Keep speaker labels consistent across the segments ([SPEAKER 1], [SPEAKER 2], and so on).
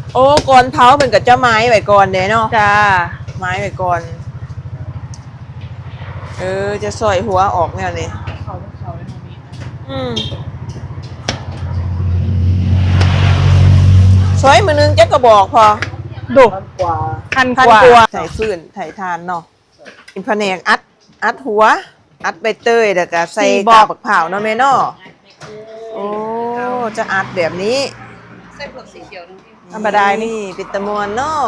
[SPEAKER 1] โอ้ก่อนเผาเป็นกับเจ้าไม้ไว้ก่อนเด้เนาะ
[SPEAKER 2] จ้า
[SPEAKER 1] ไม้ไว้ก่อนจะซอยหัวออกแนวนี้
[SPEAKER 3] เขาในตรงนี้
[SPEAKER 1] ซอยมือนึงจะกระบอกพอ
[SPEAKER 2] ดุ
[SPEAKER 3] กว่า
[SPEAKER 2] พัน
[SPEAKER 1] พัน
[SPEAKER 2] กว่าก
[SPEAKER 1] ว่าใส่ฟืนใส่ทานเนาะอินพะแนงอัดหัว อัดใบเตยแล้วก็ใส่กาบบักเผาวเนาะแม่เนาะโอ้จะอัดแบบนี้
[SPEAKER 3] ไส้เผือกสีเขียวนึง
[SPEAKER 2] ธรรมดานี่
[SPEAKER 1] ปิดตะมวนเนาะ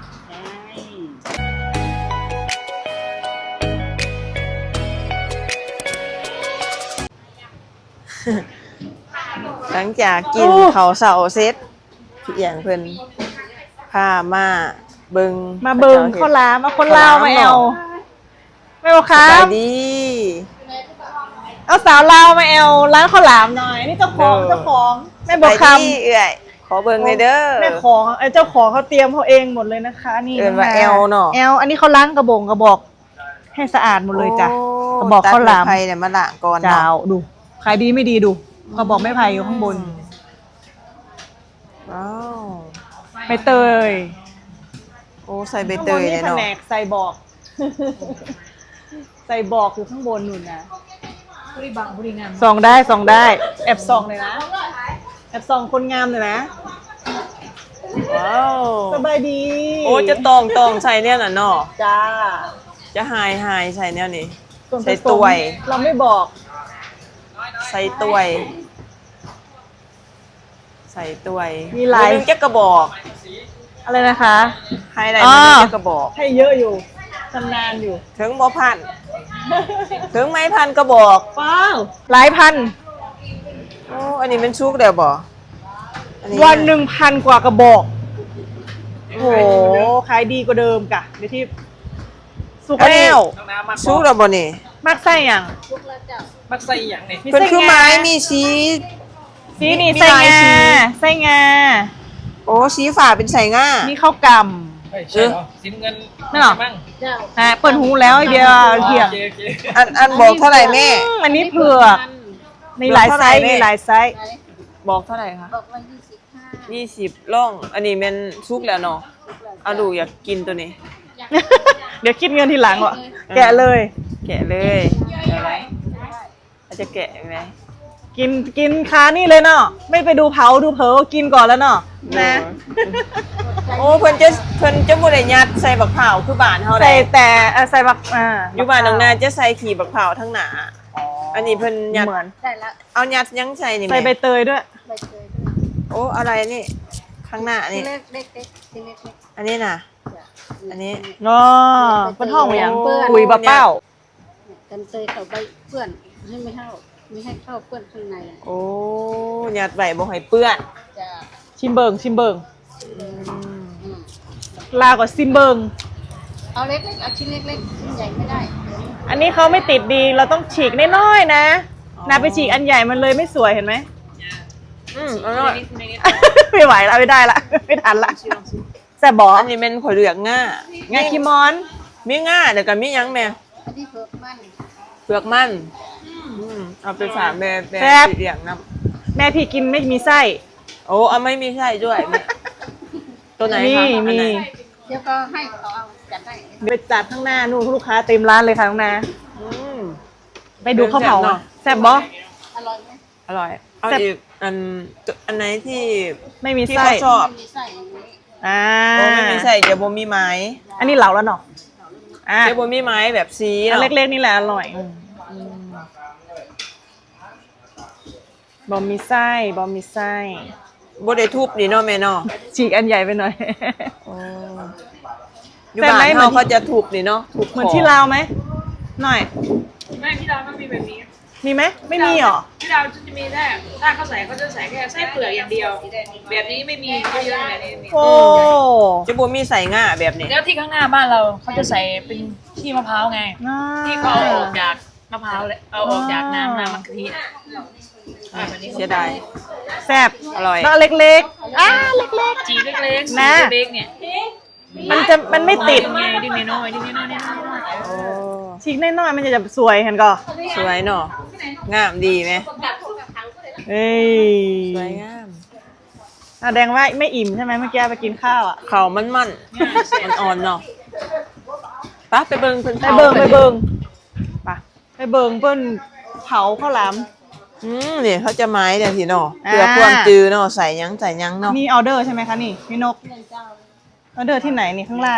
[SPEAKER 1] หลังจากกินข้าวเสาเสร็จพี่เอียงเพิ่นพามาเบิง
[SPEAKER 2] มาเบิงข้าวหลามมาคนลาวมาแอลไม่บอกค
[SPEAKER 1] ส
[SPEAKER 2] รั
[SPEAKER 1] บา
[SPEAKER 2] บ
[SPEAKER 1] ยดี
[SPEAKER 2] เอาสาวลาวมาแอลร้านข้าวหลามหน่อยนี่เจ้าของไม่บอกค
[SPEAKER 1] สบายดีเอื่อยขอเบิงเลยเด้อ
[SPEAKER 2] ำแม่ของเจ้าของเขาเตรียมเขาเองหมดเลยนะคะ นี่
[SPEAKER 1] เอิ้นว่าแอลเนาะ
[SPEAKER 2] แอลอันนี้เขาล้างกระบอกให้สะอาดหมดเลยจ้ะ
[SPEAKER 1] โ
[SPEAKER 2] กระบอกข้าวหลาม
[SPEAKER 1] ตัดไม้ไผ่เนี่ยมาละก่อน
[SPEAKER 2] เจ้า
[SPEAKER 1] เนาะ
[SPEAKER 2] ดูขายดีไม่ดีดูกระบอกไม้ไผ่อยู่ข้างบน
[SPEAKER 1] ว้าว
[SPEAKER 2] ใบเตย
[SPEAKER 1] โอ้ใส่ใบเตยเลย
[SPEAKER 2] ข้างบนนี่แผ
[SPEAKER 1] เนาะ
[SPEAKER 2] นกใส่บอก ใส่บอกอยู่ข้างบนนู่นนะ
[SPEAKER 3] บริบังบริงาม
[SPEAKER 2] ส่องได้แอบส่องเลยนะแอบส่องคนงามเลยนะ
[SPEAKER 1] ว้าว
[SPEAKER 2] สบายดี
[SPEAKER 1] โอ้จะตองใส่เนี่ยน่ะเนาะ
[SPEAKER 2] จ้า
[SPEAKER 1] จะหายใส่เนี่ยนี่
[SPEAKER 2] ส่วนผสม
[SPEAKER 1] ใส่ถ้วย
[SPEAKER 2] เราไม่บอก
[SPEAKER 1] ใส่ตัวยใส่ตัวย
[SPEAKER 2] มีหลาย
[SPEAKER 1] นึงจะกระบอก
[SPEAKER 2] อะไรนะคะ
[SPEAKER 1] ให้ได้มันนึงจะกระบอก
[SPEAKER 2] ให้เยอะอยู่ชำนาญอยู่
[SPEAKER 1] ถึงบ่พันถึงไม้พันกระบอก
[SPEAKER 2] ว้าวหลายพัน
[SPEAKER 1] โอ้อันนี้เป็นชุกเดียวบ่อั
[SPEAKER 2] วัน1,000 กว่ากระบอกโอ้โหขายดีกว่าเดิมกะเดี๋ยวที่สุก
[SPEAKER 1] อันนี้
[SPEAKER 2] แล้ว
[SPEAKER 3] น้ำน้ำมัก
[SPEAKER 1] ชุกเดียวบ่นี่
[SPEAKER 2] มักไส้อย่าง
[SPEAKER 3] มักใส่อย่างนี้
[SPEAKER 1] เป็นคือไม้มีสี
[SPEAKER 2] สีนี่
[SPEAKER 1] มี
[SPEAKER 2] ไส้
[SPEAKER 1] หลาย
[SPEAKER 2] งา
[SPEAKER 1] สี
[SPEAKER 2] ไส้งา
[SPEAKER 1] โอ้สีฝาเป็นใส่ง่า
[SPEAKER 2] นี่ข้าวก
[SPEAKER 3] ใช่เหรอสินเงิน
[SPEAKER 2] ไม่หรอ
[SPEAKER 3] มั่ง
[SPEAKER 2] ำเปิดหูแล้วไอเดียเถียง
[SPEAKER 3] โอเค
[SPEAKER 1] อันบอกเท่าไหร่แม่
[SPEAKER 2] อันนี้เผือกมีหลายไซส์
[SPEAKER 1] เผือกเท่าไหร่แม่
[SPEAKER 2] มีหลายไซส์
[SPEAKER 1] บอกเท่าไหร่คะ
[SPEAKER 4] บอกว่า25
[SPEAKER 1] 20ล่อง อันนี้เป็นชุกแล้วเนาะเอาดูอยากกินตัวนี้
[SPEAKER 2] เดี๋ยวคิดเงินทีหลังวะแกะเลย
[SPEAKER 1] แกะเลยอะไรอาจจะแกะไหม
[SPEAKER 2] กินคานี่เลยเนาะไม่ไปดูเผาดูเผลอกินก่อนแล้วเนาะนะ
[SPEAKER 1] โอ้เพิ่นจะบ่ได้ยัดใส่บักเผาวคือบ้านเฮา
[SPEAKER 2] ใส่
[SPEAKER 1] ได้
[SPEAKER 2] แต่ใส่บัก
[SPEAKER 1] อยู่บ้านน้องนาจะใส่ขี่บักเผาวทั้งหนาอันนี้เพิ่นยัด
[SPEAKER 2] เหมือน
[SPEAKER 4] ได้แล้ว
[SPEAKER 1] เอายัดยังใส่นี่
[SPEAKER 2] ใส่ใบ
[SPEAKER 1] แม่
[SPEAKER 2] เตยด้วย
[SPEAKER 4] ใบเตย
[SPEAKER 1] โอ้อะไรนี่ข้างหน้า
[SPEAKER 4] ที
[SPEAKER 1] นี่
[SPEAKER 4] เล็กเล็กเล็กทีเล็กเล็ก
[SPEAKER 1] อันนี้น่ะ อันนี้
[SPEAKER 2] อ๋อเป็นห้องเหมือน
[SPEAKER 4] เปื้อน
[SPEAKER 2] คุยบะเป้า
[SPEAKER 4] กันเตยเขาใบเปื้อนให้ไม่ให้เข้าเปื้อนข้างใน
[SPEAKER 1] โอ้ยัดไว้บ่ให้เปื้อน
[SPEAKER 4] จะ
[SPEAKER 2] ชิมเบิง
[SPEAKER 4] อืม
[SPEAKER 2] ลาวกับซิมเบิง
[SPEAKER 4] เอาเล็กเล็กเอาชิ้นเล็กเล็กชิ้นใหญ่ไม่ได้
[SPEAKER 2] อันนี้เขาไม่ติดดีเราต้องฉีกน้อยๆนะนาไปฉีกอันใหญ่มันเลยไม่สวยเห็นไหม
[SPEAKER 1] อร่อย
[SPEAKER 2] ไม่ไหวแล้วไม่ได้ละไม่ทันละแซ่บบอก
[SPEAKER 1] อันนี้เป็นขอยเหลืองง่า
[SPEAKER 2] งาคิมอน
[SPEAKER 1] มีง่าเดี๋ยวก็มีหยังแม่
[SPEAKER 4] อันนี้เผือกมัน
[SPEAKER 1] เปลือกมันเอาไปฝากแม่สีเหลืองนํ
[SPEAKER 2] แม่พี่กินไม่มีไส้
[SPEAKER 1] โอ้เอาไม่มีไส้ด้วยแม่ตัวไหนคะอัน
[SPEAKER 2] มี
[SPEAKER 1] ไหน
[SPEAKER 4] เดี๋ยวก็ให้เขาเอาจัดได้
[SPEAKER 2] ไปจัดข้างหน้านู่นลูกค้าเต็มร้านเลยค่ะน้องนา
[SPEAKER 1] อืม
[SPEAKER 2] ไปดูข้าวเผา
[SPEAKER 1] แซ่บเนอะ
[SPEAKER 2] แซ่บบ่
[SPEAKER 4] อร่อยไหม
[SPEAKER 1] อร่อย เอา
[SPEAKER 2] แซ่บ
[SPEAKER 1] อีกอันไหนที่
[SPEAKER 2] ไม่มี
[SPEAKER 1] ที่
[SPEAKER 2] ไส้
[SPEAKER 1] เขาชอบ
[SPEAKER 4] ไม่มีไส้อย่างนี้
[SPEAKER 2] อ่า
[SPEAKER 1] โอ้ไม่มีไส้เดี๋ยวโบมีไม้
[SPEAKER 2] อันนี้เหลาแล้วเนาะอ่า
[SPEAKER 1] เดี๋ยวโบมีไม้แบบซี
[SPEAKER 2] อัน
[SPEAKER 1] เนาะ
[SPEAKER 2] เล็กๆนี่แหละอร่อยบอมมีไส้
[SPEAKER 1] โบได้ทุบนี่เนาะแม่เนาะ
[SPEAKER 2] ฉีกอันใหญ่ไปหน่อย
[SPEAKER 1] อยู่บ้านเขาจะทุบนี่เนาะทุบ
[SPEAKER 2] เหมือนที่ลาวไหมหน่อย
[SPEAKER 3] ไม่ที่เรามันมีแบบนี้
[SPEAKER 2] มีไหมไม่มีหรอ
[SPEAKER 3] ที่เราจะมีแค่ถ้าเขาใส่เขาจะใส่แค่ไส้เปลือกอย่างเดียว แบบนี้ไม่มีเยอะๆแบบนี้มี
[SPEAKER 2] โอ้
[SPEAKER 1] จะโบมีใส่ง่าแบบนี้
[SPEAKER 3] แล้วที่ข้างหน้าบ้านเราเขาจะใส่เป็นขี้มะพร้าวไง
[SPEAKER 2] น่า
[SPEAKER 3] ที่เขาเอาออกจากมะพร้าวเลยเอาออกจากน้ำมะกะทิแบบนี้
[SPEAKER 1] เสียดาย
[SPEAKER 2] แซ่บ
[SPEAKER 1] อร่อย
[SPEAKER 2] แล้วเล็กๆเล็ก
[SPEAKER 3] จีเล็กๆ
[SPEAKER 2] นะ
[SPEAKER 3] สีเล็กๆเนี่ย
[SPEAKER 2] ๆมันไม่ติด
[SPEAKER 3] ไงดิ้งน้อยๆดิ้งน้อยๆ
[SPEAKER 1] โอ้
[SPEAKER 2] ฉีกน้อยๆมันจะสวยเห็นก่อ
[SPEAKER 1] สวยเนาะงามดีไหม
[SPEAKER 2] เอ้ย
[SPEAKER 1] สวยงาม
[SPEAKER 2] แสดงว่าไม่อิ่มใช่ไหมเมื่อกี้ไปกินข้าวอ่ะ
[SPEAKER 1] เขามันอ่อนเนาะปะไปเบิ่งเพิ่น
[SPEAKER 2] ไปเบิงไปเบิงเพิ่นเผาข้าวหลาม
[SPEAKER 1] นี่เขาจะไม้เดี๋ยวสิเนาะ
[SPEAKER 2] อ่า
[SPEAKER 1] เพื่อความจือเนาะใส่หยังเนาะ
[SPEAKER 2] มีออเดอร์ใช่ไหมคะนี่พี่นกออเดอร์ที่ไหนนี่ข้างล่าง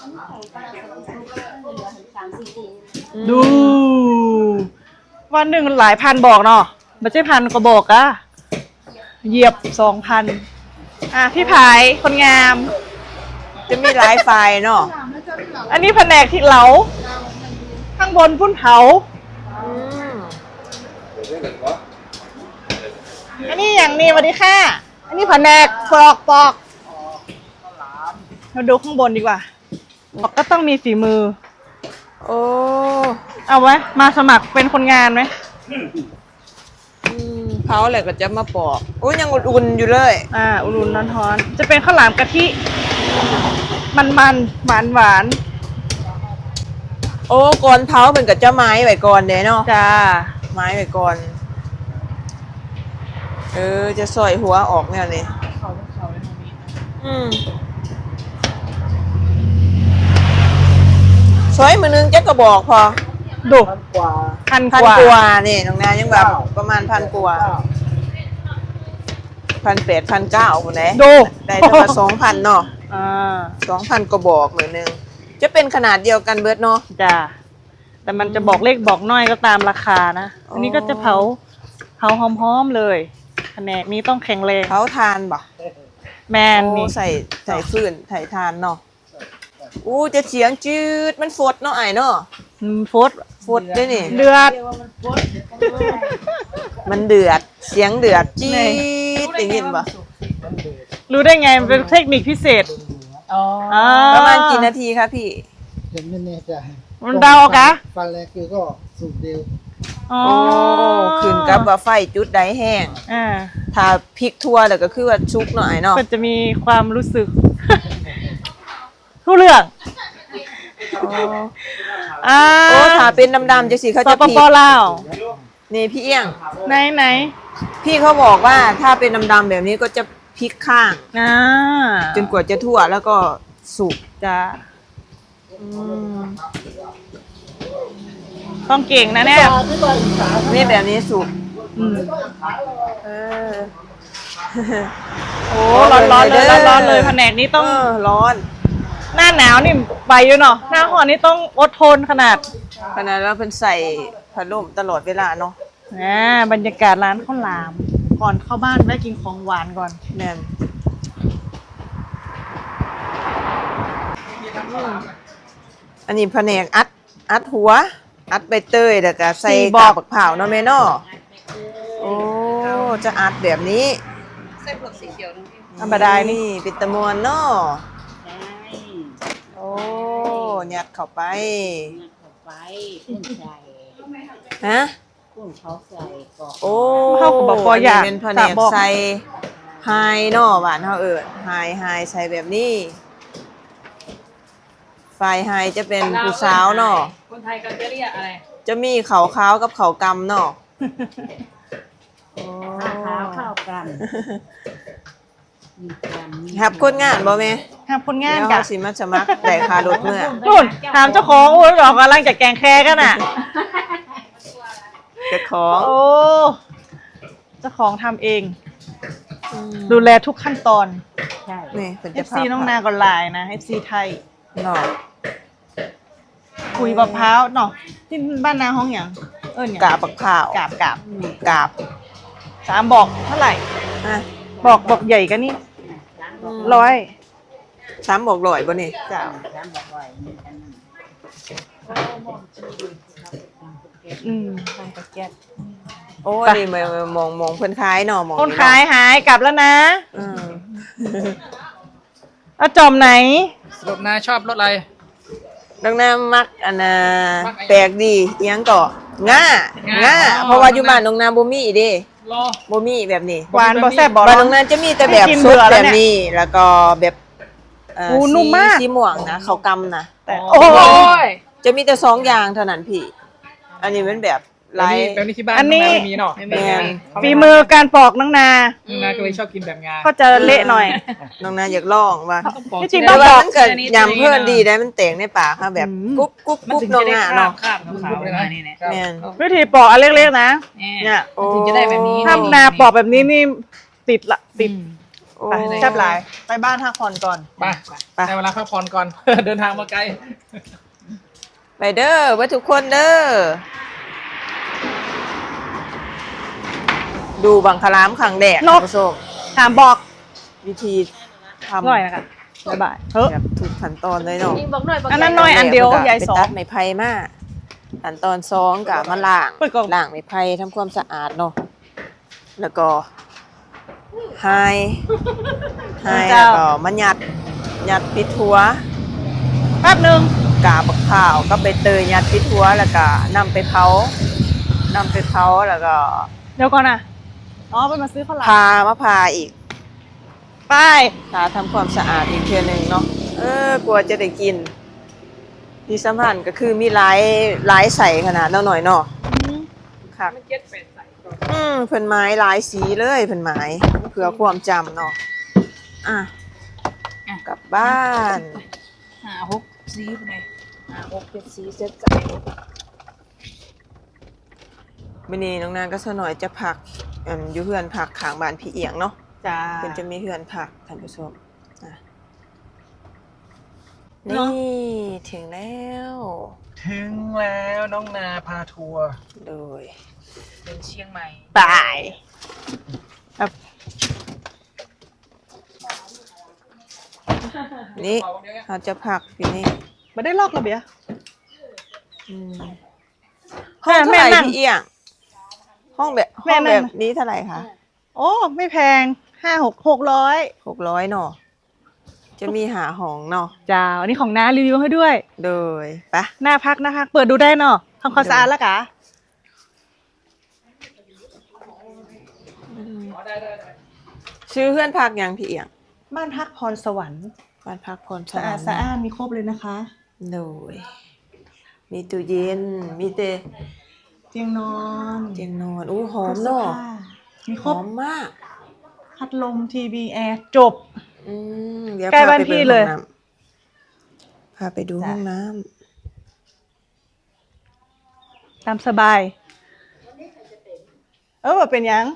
[SPEAKER 2] ดู วันหนึ่งหลายพันบอกเนาะไม่ใช่พันก็บอกอะเหยียบ2,000พี่ผายคนงาม
[SPEAKER 1] จะมีหลายไฟล์เนาะ
[SPEAKER 2] อันนี้แผนกที่เหลาข้างบนพุ่นเผา
[SPEAKER 1] อืม
[SPEAKER 2] อันนี้อย่างนี้สวัสดีค่ะ อันนี้แผนกปอกเราดูข้างบนดีกว่าบอกก็ต้องมีฝีมือ
[SPEAKER 1] โอ้
[SPEAKER 2] เอาไว้มาสมัครเป็นคนงานไหม
[SPEAKER 1] เผาอะไรก็จะมาปอกโอ้ยังอุ่นๆอยู่เลย
[SPEAKER 2] อุ่นๆร้อนๆจะเป็นข้าวหลามกะทิ มันหวาน
[SPEAKER 1] โอ้ก่อนเผาเป็นกับเจ้าไม้ไว้ก่อนเด้เนาะ
[SPEAKER 2] จ้า
[SPEAKER 1] ไม้ไว้ก่อนจะสอยหัวออกแนวนี้สอยมือนึงจะกระบอกพอ
[SPEAKER 2] ดูพัน
[SPEAKER 1] พัน
[SPEAKER 2] กว่าก
[SPEAKER 1] ว่านี่น้องนายังแบบประมาณ1,000 กว่า1,800 1,900คนไหน
[SPEAKER 2] ดู
[SPEAKER 1] ได้แต่ว่า2,000เนาะ 2,000 กระบอกมือนึงจะเป็นขนาดเดียวกันเบิดเนาะ
[SPEAKER 2] จ้าแต่มันจะบอกเลขบอกน้อยก็ตามราคานะ อันนี้ก็จะเผาหอมๆเลยแผนกนี้ต้องแข็งแรง
[SPEAKER 1] เผาทานบ่
[SPEAKER 2] แมน
[SPEAKER 1] โอ้
[SPEAKER 2] นี่
[SPEAKER 1] ใส่ฟืนใส่ทานเนาะอู้จะเสียงจืดมันฟดเนาะไอ้เนาะ
[SPEAKER 2] ฟด
[SPEAKER 1] ฟดด้วยนี่
[SPEAKER 2] เดือด
[SPEAKER 1] มันเดือดเสียงเดือดจี๊ดได้ยินปะ
[SPEAKER 2] รู้ได้ไงมันเป็นเทคนิคพิเศษ
[SPEAKER 1] ประมาณกี่นาทีคะพี่
[SPEAKER 5] ยังไม่แน่ใจ
[SPEAKER 2] มันเดาเอากะ
[SPEAKER 5] ฟันแรกคือก็สูตรเดียว
[SPEAKER 2] อ๋อ
[SPEAKER 1] โอ้ขึ้นกับว่าไฟจุดใดแห้ง
[SPEAKER 2] อ่า
[SPEAKER 1] ถ้าพริกทั่วแล้วก็คือว่าชุกหน่อยเนาะ
[SPEAKER 2] มันจะมีความรู้สึก ทุกเรื่อง
[SPEAKER 1] โอ้ถ้าเป็นดำๆจะสิเขา
[SPEAKER 2] ส
[SPEAKER 1] จะ
[SPEAKER 2] ป
[SPEAKER 1] พริ
[SPEAKER 2] ป
[SPEAKER 1] ก
[SPEAKER 2] ลาว
[SPEAKER 1] นี่พี่เอี้ยง
[SPEAKER 2] ไหน
[SPEAKER 1] พี่เขาบอกว่าถ้าเป็นดำๆแบบนี้ก็จะพลิกข้าง จนกว่าจะทั่วแล้วก็สุก
[SPEAKER 2] จ้าต้องเก่งนะเนี่ย
[SPEAKER 1] นี่แบบนี้สุก
[SPEAKER 2] อืม
[SPEAKER 1] เออ
[SPEAKER 2] โอ้ร้อนๆเลยร้อนๆเลยแผนกนี้ต้อง
[SPEAKER 1] ร้อน
[SPEAKER 2] หน้าหนาวนี่ไปอยู่เนาะหน้าร้อนนี่ต้องอดทนขนาด
[SPEAKER 1] ขนาดเราเป็นใส่พัดลมตลอดเวลาเนาะ
[SPEAKER 2] บรรยากาศร้านข้าวหลาม ก่อนเข้าบ้านแวะกินของหวานก่อน
[SPEAKER 1] แม่นอันนี้แผนกอัดหัว อัดใบเตยแล้วก็ใส่
[SPEAKER 2] สี่บ
[SPEAKER 1] กา
[SPEAKER 2] อก
[SPEAKER 1] บักเผาวเนาะแม่เนาะโอ้จะอัดแบบนี้
[SPEAKER 4] ใส่เผือกสีเขียวนึงพี่
[SPEAKER 2] ธรรมดานี่
[SPEAKER 1] เป็นตะมวนเนาะ
[SPEAKER 4] ใช่
[SPEAKER 1] โอ้ยัดเข้าไป
[SPEAKER 4] เข้าไปกุ้งใส่
[SPEAKER 1] ฮะ
[SPEAKER 4] กุ้งเขาใส่ก่อน
[SPEAKER 1] โอ้
[SPEAKER 2] เขาก็บอกว่าอยาก
[SPEAKER 1] นนี้เป็นแผน
[SPEAKER 2] ฝาก
[SPEAKER 1] ก
[SPEAKER 2] บอก
[SPEAKER 1] ใส่ไฮเนาะหวานเฮาไฮใส่แบบนี้ไฟไฮจะเป็นผู้สาวเนาะ
[SPEAKER 3] คนไทยก็จะเรียกอะไร
[SPEAKER 1] จะมีเขาขาวกับเขากำเนาะ
[SPEAKER 4] ข้าวข้าวกันมีกัน
[SPEAKER 1] ครับคนงานบ่แม่
[SPEAKER 2] ทำคนงาน
[SPEAKER 1] เดี๋ยว
[SPEAKER 2] กั
[SPEAKER 1] เฮาสิมาสมัครได้ค่ารถเมื่อ
[SPEAKER 2] นู่นถามเจ้าของโอ้ยบอกกำลังจะแกงแคกันอ่ะ
[SPEAKER 1] เจ้าของ
[SPEAKER 2] โอ้เจ้าของทำเอง ดูแลทุกขั้นตอน
[SPEAKER 4] ใช่
[SPEAKER 1] นี่เป็นเจ้า
[SPEAKER 2] FC น้องนาก็ลายนะ FC ไทย
[SPEAKER 1] เนาะ
[SPEAKER 2] คุยมะพร้าวเนาะที่บ้านนาห้องอย่างเอิ้นหยัง
[SPEAKER 1] กาบบักข้าว
[SPEAKER 2] กาบ
[SPEAKER 1] กาบ
[SPEAKER 2] 3บอกเท่าไหร่
[SPEAKER 1] อ่ะ
[SPEAKER 2] บอกใหญ่กันนี่100
[SPEAKER 1] 3บอก100บ่นี่
[SPEAKER 2] จ้า
[SPEAKER 4] ร้านบอกว่ามีกัน
[SPEAKER 2] ทำกระแก๊ส
[SPEAKER 1] โอ้
[SPEAKER 2] ไป
[SPEAKER 1] นี่มองเพิ่นขายเนาะมอง
[SPEAKER 2] คนขายหายกลับแล้วนะ
[SPEAKER 1] อืม
[SPEAKER 2] เอาจอมไหน
[SPEAKER 6] สรุปนายชอบรถอะไร
[SPEAKER 1] ดังนั้นมักอันน่ะ
[SPEAKER 6] มักอะไร
[SPEAKER 1] แปลกดีอิหยังก็ง่า
[SPEAKER 6] ง่า
[SPEAKER 1] เพราะว่าอยู่บ้านน้องนาบ่มีเด้
[SPEAKER 6] รอ
[SPEAKER 1] บ่มีแบบนี้
[SPEAKER 2] หวานบ่แซ่บบ่
[SPEAKER 1] บ้าน
[SPEAKER 2] ร้
[SPEAKER 1] น้
[SPEAKER 2] อ
[SPEAKER 1] องนาจะมีแต่แบบ
[SPEAKER 2] ให้กิน
[SPEAKER 1] สด
[SPEAKER 2] เบื่อแล้
[SPEAKER 1] แบ
[SPEAKER 2] ว
[SPEAKER 1] บ
[SPEAKER 2] เนี่ย
[SPEAKER 1] นี้แล้วก็แบบ
[SPEAKER 2] นุ่มมาก
[SPEAKER 1] สีม่วงนะเขาวกำนะ
[SPEAKER 2] แต่
[SPEAKER 6] โอ้
[SPEAKER 2] โอ้
[SPEAKER 6] ย
[SPEAKER 1] จะมีแต่2อย่างเท่านั้นพี่ อันนี้เป็นแบบหลาย
[SPEAKER 6] แบบนี้ที่บ้าน
[SPEAKER 2] อันนี้
[SPEAKER 6] น้องนาไม่มีเนาะ
[SPEAKER 3] ไม่
[SPEAKER 1] แม่
[SPEAKER 3] มี
[SPEAKER 2] ฝีมือการปอกน้องนา
[SPEAKER 6] น้องนาก็เลยชอบกินแบบงา
[SPEAKER 2] ก็จะเละหน่อย
[SPEAKER 1] น้องนาอยากลองว่า
[SPEAKER 2] ที่จริง
[SPEAKER 1] แต่
[SPEAKER 2] ต้อง
[SPEAKER 1] ว่า
[SPEAKER 2] บอก
[SPEAKER 1] มันเกิดยำเพื่อนดีได้มันเต่งในปากค่ะแบบกรุ๊บกรุ๊บ
[SPEAKER 3] มัน
[SPEAKER 1] กรุ๊บ
[SPEAKER 3] ถึง
[SPEAKER 1] น้อ
[SPEAKER 3] จะ
[SPEAKER 1] ง
[SPEAKER 3] ได้
[SPEAKER 1] นา
[SPEAKER 3] ครา
[SPEAKER 1] เนาะ
[SPEAKER 3] บขาวๆมานี่เนี่ย
[SPEAKER 1] แม่น
[SPEAKER 2] วิธีปอกอันเล็กๆนะ
[SPEAKER 3] เนี่ย มันถึงจะได้แบบนี้
[SPEAKER 2] ถ้านาปอกแบบนี้นี่ติดละติด
[SPEAKER 1] โอ้
[SPEAKER 2] ไปแซ่บหลายไปบ้านพักผ่อนก่อน
[SPEAKER 6] ไปได้เวลาพักผ่อนก่อน เดินทางมาไกล
[SPEAKER 1] ไปเด้อไว้ทุกคนเด้อดูบังคลามขังแดด
[SPEAKER 2] นก
[SPEAKER 1] คุณผู้ชม
[SPEAKER 2] ถามบอก
[SPEAKER 1] วิธีทำ
[SPEAKER 2] หน่อยนะคะบ๊ายบายเฮ้ย
[SPEAKER 1] แบบทุกขั้นตอนเลยเนาะ
[SPEAKER 4] ยิงบอกหน่อยบอก
[SPEAKER 2] อันนั้นหน่อยอันเดียวใหญ่สอง
[SPEAKER 1] ไปตัดไม้ไผ่มาขั้นตอนสองกับมาล้าง
[SPEAKER 2] เปิดกล่อง
[SPEAKER 1] ล้างไม้ไผ่ทำความสะอาดเนาะแล้วก็ไฮแล้วก็มายัดปิดหัว
[SPEAKER 2] แป๊บหนึ่ง
[SPEAKER 1] กาบักข้าวก็ไปเตยยัดปิดหัวแล้วก็นำไปเผาแล้วก็
[SPEAKER 2] เดี๋ยวก่อนนะอ๋อไปมาซื้อข้าวหลาม
[SPEAKER 1] พาอีก
[SPEAKER 2] ไป
[SPEAKER 1] พาทำความสะอาดอีกเทื่อหนึงเนาะกลัวจะได้กินที่สำคัญก็คือมีหลายใส่ขนาดเนาะหน่อยเนาะค่ะ
[SPEAKER 3] มันเจ็ดแปดใส่ก่อน
[SPEAKER 1] เพิ่นไม้หลายสีเลยเพิ่นไม้เพื่อความจำเนาะอ่ะกลับบ้าน
[SPEAKER 3] 5-6 สีไปเลย5-6 7 สีเซ็ตใส่
[SPEAKER 1] มื้อนี้น้องนางก็ซะหน่อยจะพักอยู่เฮือนพักข้างบ้านพี่เอียงเนาะ
[SPEAKER 2] จ้า
[SPEAKER 1] เพิ่นจะมีเฮือนพักท่านผู้ชมอ่ะ
[SPEAKER 2] เนาะ
[SPEAKER 1] นี่ถึงแล้ว
[SPEAKER 6] ถึงแล้วน้องนาพาทัวร์
[SPEAKER 1] โดย
[SPEAKER 3] เป็นเชียงใหม่
[SPEAKER 2] ตายแบบ
[SPEAKER 1] นี่เราจะพักอยู่นี่
[SPEAKER 2] ไม่ได้ลอกระเบีย
[SPEAKER 1] อืมห้องเท่าไหร่พี่เอียงห้องแบบ
[SPEAKER 2] แม่
[SPEAKER 1] ห้อง
[SPEAKER 2] นั่
[SPEAKER 1] แบ
[SPEAKER 2] ง
[SPEAKER 1] บนี้เท่าไหร่คะ
[SPEAKER 2] โอ้ไม่แพง600
[SPEAKER 1] 600เนาะจะมีหาห้องเนาะ
[SPEAKER 2] จ้าอันนี้ของน้ารีวิวให้ด้วย
[SPEAKER 1] โดยปะ
[SPEAKER 2] หน้าพักเปิดดูได้เนาะทำความสะอาดแล้วกะ
[SPEAKER 1] ชื่อเพื่อนพักยังพี่เอียง
[SPEAKER 2] บ้านพักพรสวรรค์
[SPEAKER 1] บ้านพักพร
[SPEAKER 2] สะอาดสะอ้านมีครบเลยนะคะ
[SPEAKER 1] โดยมีตู้เย็นมีแต่
[SPEAKER 2] เตียงนอน
[SPEAKER 1] เตียงนอนอู้หอมเนาะ
[SPEAKER 2] มี
[SPEAKER 1] ห
[SPEAKER 2] ครบ
[SPEAKER 1] อมมาก
[SPEAKER 2] พัดลมทีวีแอร์จบ
[SPEAKER 1] เดี๋ยว
[SPEAKER 2] ใกล้บ้านพี่เลย
[SPEAKER 1] พาไปดูห้องน้
[SPEAKER 2] ตามสบายแบบเป็นยัง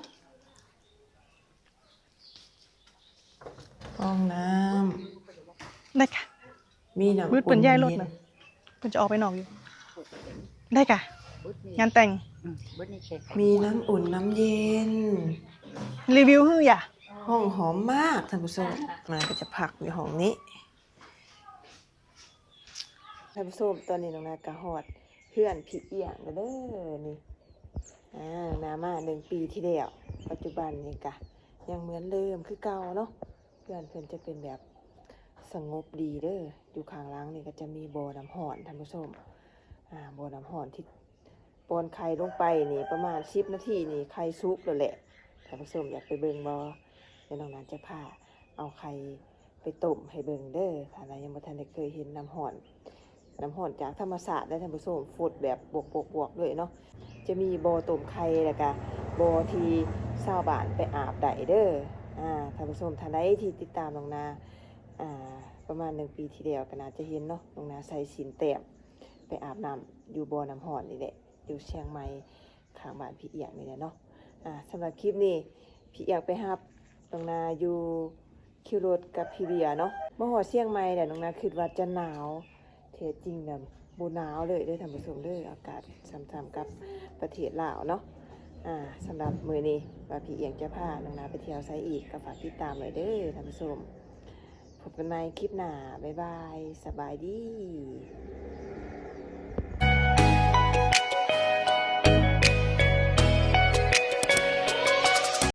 [SPEAKER 1] ำห้องน้
[SPEAKER 2] ได้ค่ะ
[SPEAKER 1] ำมีน้ำ
[SPEAKER 2] มืดเปิ่นย่ายรถนะเปิ่นจะออกไปนอกอยู่ ได้ค่ะ งานแต่ง
[SPEAKER 1] มีน้ำอุ่นน้ำเย็น
[SPEAKER 2] รีวิวฮื้ออย่า
[SPEAKER 1] ห้องหอมมากท่านผู้ชมมาก็จะพักอยู่ห้องนี้ท่านผู้ชมตอนนี้น้องนากะฮอดเพื่อนพี่เอียงแล้วเด้อนี่นามา1 ปีที่แล้วปัจจุบันนี่กะยังเหมือนเดิมคือเก่าเนาะเพื่อนเพิ่นจะเป็นแบบสงบดีเด้ออยู่ข้างหล่างนี่ก็จะมีบ่อน้ำร้อนท่านผู้ชมบ่อน้ำร้อนที่ปอนไข่ลงไปนี่ประมาณ10 นาทีนี่ไข่สุกแล้วแหละท่านผู้ชมอยากไปเบิ่งบ่เดี๋ยวน้องนั้นจะพาเอาไข่ไปต้มให้เบิ่งเด้อถ้าใครยังบ่ทันได้เคยเห็นน้ำร้อนจากธรรมชาติได้ท่านผู้ชมฟดแบบบวกๆด้วยเนาะจะมีบ่อต้มไข่แล้วก็บ่อที่ชาวบ้านไปอาบได้เด้อท่านผู้ชมท่านใดที่ติดตามน้องนาประมาณ1 ปีที่แล้วก็น่าจะเห็นเนาะน้องนาใส่สินแต้มไปอาบน้ำอยู่บ่อน้ำร้อนนี่แหละอยู่เชียงใหม่ข้างบ้านพี่เอียงนี่แหละเนาะสำหรับคลิปนี้พี่เอียงไปรับน้องนาอยู่คิวรถกับพี่เบียเนาะมาฮอดเชียงใหม่แหละน้องนาคิดว่าจะหนาวแท้จริงแล้วบ่หนาวเลยเด้อท่านผู้ชมเด้ออากาศซ้ำๆกับประเทศลาวเนาะสำหรับมื้อนี้ว่าพี่เอียงจะพาน้องนาไปเที่ยวไสอีกก็ฝากติดตามไว้เด้อท่านผู้ชมพบกันใหม่คลิปหน้าบ๊ายบายสบายดี